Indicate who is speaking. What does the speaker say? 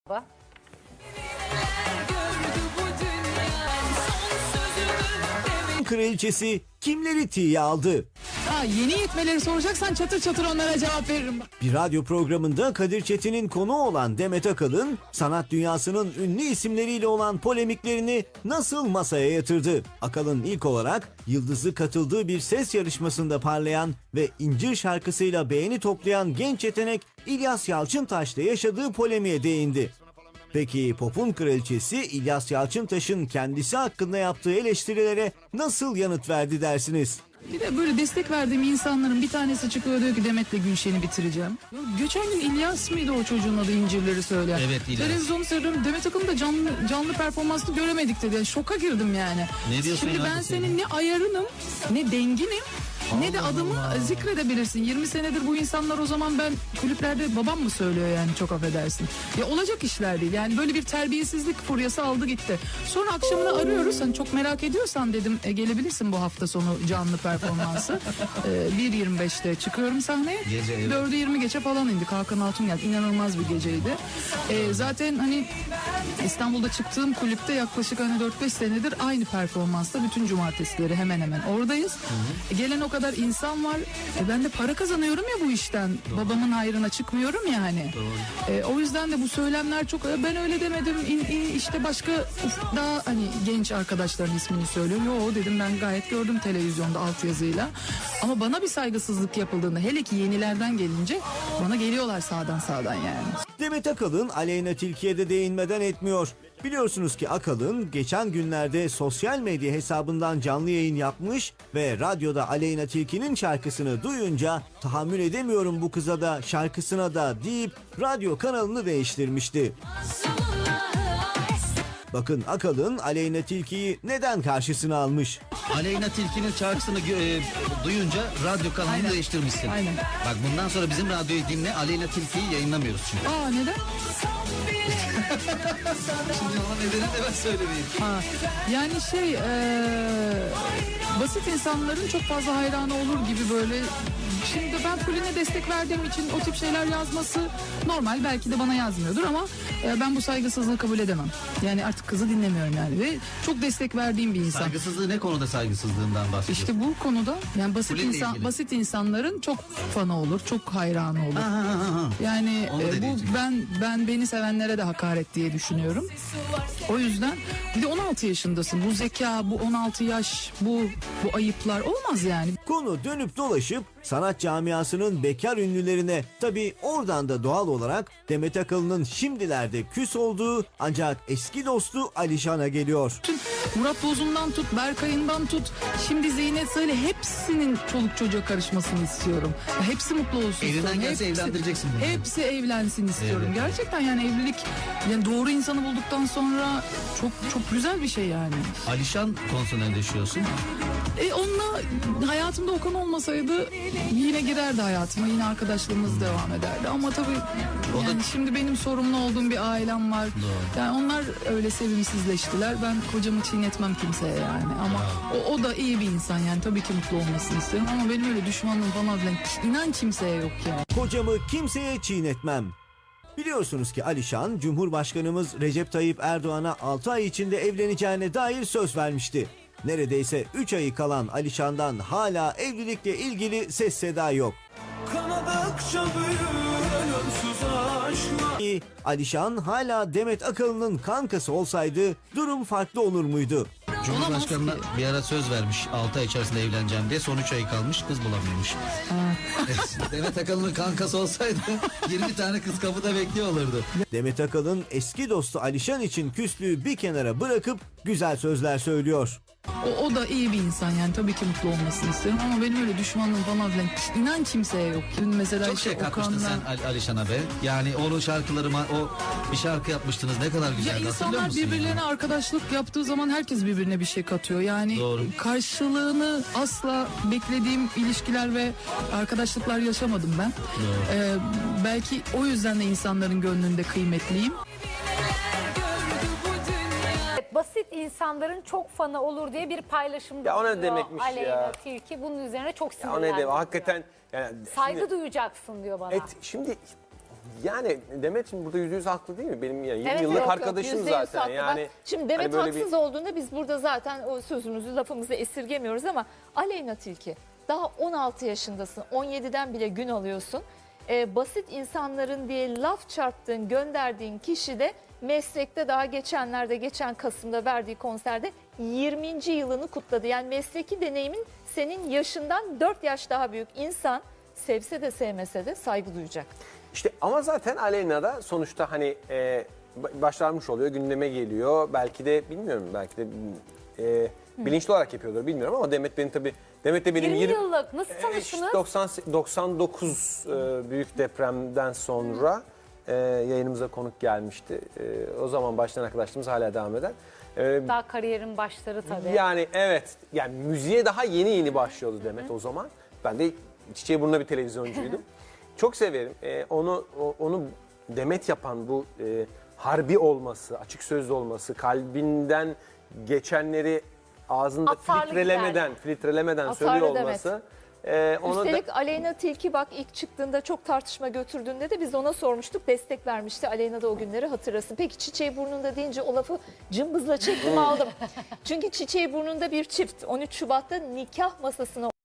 Speaker 1: Kraliçesi kimleri tiye aldı?
Speaker 2: Yeni yetmeleri soracaksan çatır çatır onlara cevap veririm.
Speaker 1: Bir radyo programında Kadir Çetin'in konuğu olan Demet Akalın, sanat dünyasının ünlü isimleriyle olan polemiklerini nasıl masaya yatırdı? Akalın ilk olarak Yıldız'ı katıldığı bir ses yarışmasında parlayan ve İncir şarkısıyla beğeni toplayan genç yetenek İlyas Yalçıntaş'la yaşadığı polemiğe değindi. Peki pop'un kraliçesi İlyas Yalçıntaş'ın kendisi hakkında yaptığı eleştirilere nasıl yanıt verdi dersiniz?
Speaker 2: Bir de böyle destek verdiğim insanların bir tanesi çıkıyor diyor ki Demet'le Gülşen'i bitireceğim. Ya geçen gün İlyas mıydı o çocuğun adı, İncirleri söyleyen?
Speaker 3: Evet, İlyas.
Speaker 2: Televizyonu seyrediyorum, Demet Akalın da canlı performansını göremedik dedi. Yani şoka girdim yani.
Speaker 3: Ne diyorsun?
Speaker 2: Şimdi ben senin ne ayarınım, ne denginim, ne de adımı zikredebilirsin. 20 senedir bu insanlar, o zaman ben kulüplerde babam mı söylüyor yani, çok affedersin. Ya olacak işler değil. Yani böyle bir terbiyesizlik furyası aldı gitti. Sonra akşamına arıyoruz. Hani çok merak ediyorsan dedim gelebilirsin bu hafta sonu canlı performansı. 1.25'te çıkıyorum sahneye.
Speaker 3: Gece, evet.
Speaker 2: 4'ü 20 geçe falan indik. Hakan Altun geldi. İnanılmaz bir geceydi. Zaten hani İstanbul'da çıktığım kulüpte yaklaşık hani 4-5 senedir aynı performansta bütün cumartesileri hemen hemen oradayız. Gelen o kadar insan var. Ben de para kazanıyorum ya bu işten. Doğru. Babamın hayrına çıkmıyorum ya hani. O yüzden de bu söylemler çok, ben öyle demedim. İşte başka daha hani genç arkadaşların ismini söylüyor. Yo dedim, ben gayet gördüm televizyonda altyazıyla. Ama bana bir saygısızlık yapıldığında, hele ki yenilerden gelince bana geliyorlar sağdan yani.
Speaker 1: Demet Akalın Aleyna Tilki'ye de değinmeden etmiyor. Biliyorsunuz ki Akalın geçen günlerde sosyal medya hesabından canlı yayın yapmış ve radyoda Aleyna Tilki'nin şarkısını duyunca tahammül edemiyorum bu kıza da şarkısına da deyip radyo kanalını değiştirmişti. Bakın Akalın Aleyna Tilki'yi neden karşısına almış?
Speaker 3: Aleyna Tilki'nin şarkısını duyunca radyo kanalını değiştirmişsin.
Speaker 2: Aynen.
Speaker 3: Bak bundan sonra bizim radyoyu dinle, Aleyna Tilki'yi yayınlamıyoruz çünkü.
Speaker 2: Neden?
Speaker 3: Şimdi ona nedeni de ben söylemeyeyim.
Speaker 2: Yani basit insanların çok fazla hayranı olur gibi böyle. Şimdi ben Fulin'e destek verdiğim için o tip şeyler yazması normal. Belki de bana yazmıyordur ama ben bu saygısızlığı kabul edemem. Yani artık kızı dinlemiyorum yani ve çok destek verdiğim bir insan.
Speaker 3: Saygısızlığı ne konuda saygısızlığından bahsediyorsun?
Speaker 2: İşte bu konuda yani basit insanların çok fanı olur, çok hayranı olur. Yani beni sevenlere de hakaret diye düşünüyorum. O yüzden bir de 16 yaşındasın. Bu zeka, bu 16 yaş, bu ayıplar olmaz yani.
Speaker 1: Konu dönüp dolaşıp sanat camiasının bekar ünlülerine, tabii oradan da doğal olarak Demet Akalın'ın şimdilerde küs olduğu ancak eski dostu Alişan'a geliyor.
Speaker 2: Murat Bozun'dan tut, Berkay'ından tut, şimdi Zeynep Salih, hepsinin çoluk çocuğa karışmasını istiyorum. Hepsi mutlu olsun.
Speaker 3: Elinden gelse evlendireceksin bunu.
Speaker 2: Hepsi evlensin istiyorum. Evet. Gerçekten yani evlilik, yani doğru insanı bulduktan sonra çok güzel bir şey yani.
Speaker 3: Alişan konusunda ne düşünüyorsun?
Speaker 2: Onunla hayatımda Okan olmasaydı yine girerdi hayatıma, yine arkadaşlığımız devam ederdi. Ama tabii yani şimdi benim sorumlu olduğum bir ailem var. Doğru. Yani onlar öyle sevimsizleştiler. Ben kocamı çiğnetmem kimseye yani. Ama o da iyi bir insan yani, tabii ki mutlu olmasını isterim. Ama benim öyle düşmanlığım falan filan inan kimseye yok yani.
Speaker 1: Kocamı kimseye çiğnetmem. Biliyorsunuz ki Alişan, Cumhurbaşkanımız Recep Tayyip Erdoğan'a 6 ay içinde evleneceğine dair söz vermişti. Neredeyse 3 ayı kalan Alişan'dan hala evlilikle ilgili ses seda yok. Alişan hala Demet Akalın'ın kankası olsaydı durum farklı olur muydu?
Speaker 3: Cumhurbaşkanına bir ara söz vermiş, 6 ay içerisinde evleneceğim diye, son 3 ay kalmış, kız bulamıyormuş. Demet Akalın'ın kankası olsaydı 20 tane kız kapıda bekliyor olurdu.
Speaker 1: Demet Akalın eski dostu Alişan için küslüğü bir kenara bırakıp güzel sözler söylüyor.
Speaker 2: O da iyi bir insan yani, tabii ki mutlu olmasını isterim. Ama benim öyle düşmanlığım falan filan inan kimseye yok. Mesela
Speaker 3: çok şey katmıştın sen Alişan'a be. Yani onun şarkılarıma, o bir şarkı yapmıştınız, ne kadar güzeldi.
Speaker 2: Ya insanlar birbirlerine arkadaşlık yaptığı zaman herkes birbirine bir şey katıyor. Yani doğru. Karşılığını asla beklediğim ilişkiler ve arkadaşlıklar yaşamadım ben. Belki o yüzden de insanların gönlünde kıymetliyim.
Speaker 4: Basit insanların çok fanı olur diye bir paylaşım
Speaker 5: ya, o ne demekmiş
Speaker 4: Aleyna
Speaker 5: ya?
Speaker 4: Tilki bunun üzerine çok
Speaker 5: Ya, o ne
Speaker 4: sinirlendi.
Speaker 5: demek? Hakikaten yani
Speaker 4: saygı duyacaksın diyor bana.
Speaker 5: Şimdi Yani Demet şimdi burada %100 haklı değil mi? Benim yani 20
Speaker 4: Evet,
Speaker 5: yıllık
Speaker 4: yok,
Speaker 5: arkadaşım
Speaker 6: %100
Speaker 5: zaten.
Speaker 6: haklı.
Speaker 5: Yani
Speaker 6: Bak, şimdi Demet
Speaker 5: hani böyle
Speaker 6: haksız olduğunda biz burada zaten o sözümüzü lafımızı esirgemiyoruz ama Aleyna Tilki daha 16 yaşındasın, 17'den bile gün alıyorsun. Basit insanların diye laf çarptığın, gönderdiğin kişi de meslekte daha geçen Kasım'da verdiği konserde 20. yılını kutladı. Yani mesleki deneyimin senin yaşından 4 yaş daha büyük. İnsan sevse de sevmese de saygı duyacak.
Speaker 5: İşte ama zaten Aleyna da sonuçta hani başarmış oluyor, gündeme geliyor. Belki de bilmiyorum, belki de bilinçli olarak yapıyordur bilmiyorum ama Demet de benim
Speaker 4: 20 yıllık nasıl
Speaker 5: işte
Speaker 4: tanıştınız?
Speaker 5: 99 büyük depremden sonra yayınımıza konuk gelmişti. O zaman başlayan arkadaşlığımız hala devam eden.
Speaker 4: Daha kariyerin başları tabii.
Speaker 5: Yani evet, yani müziğe daha yeni başlıyordu Demet o zaman. Ben de Çiçeğiburnu'nda bir televizyoncuydum. Çok severim. Onu Demet yapan bu harbi olması, açık sözlü olması, kalbinden geçenleri ağzında
Speaker 4: Atarlı
Speaker 5: filtrelemeden
Speaker 6: Atarlı
Speaker 5: söylüyor
Speaker 6: Demet.
Speaker 5: olması. Onu da,
Speaker 6: Üstelik Aleyna Tilki bak ilk çıktığında çok tartışma götürdüğünde de biz ona sormuştuk. Destek vermişti. Aleyna da o günleri hatırlasın. Peki Çiçeğiburnu'nda deyince o lafı cımbızla çektim aldım. Çünkü Çiçeğiburnu'nda bir çift 13 Şubat'ta nikah masasına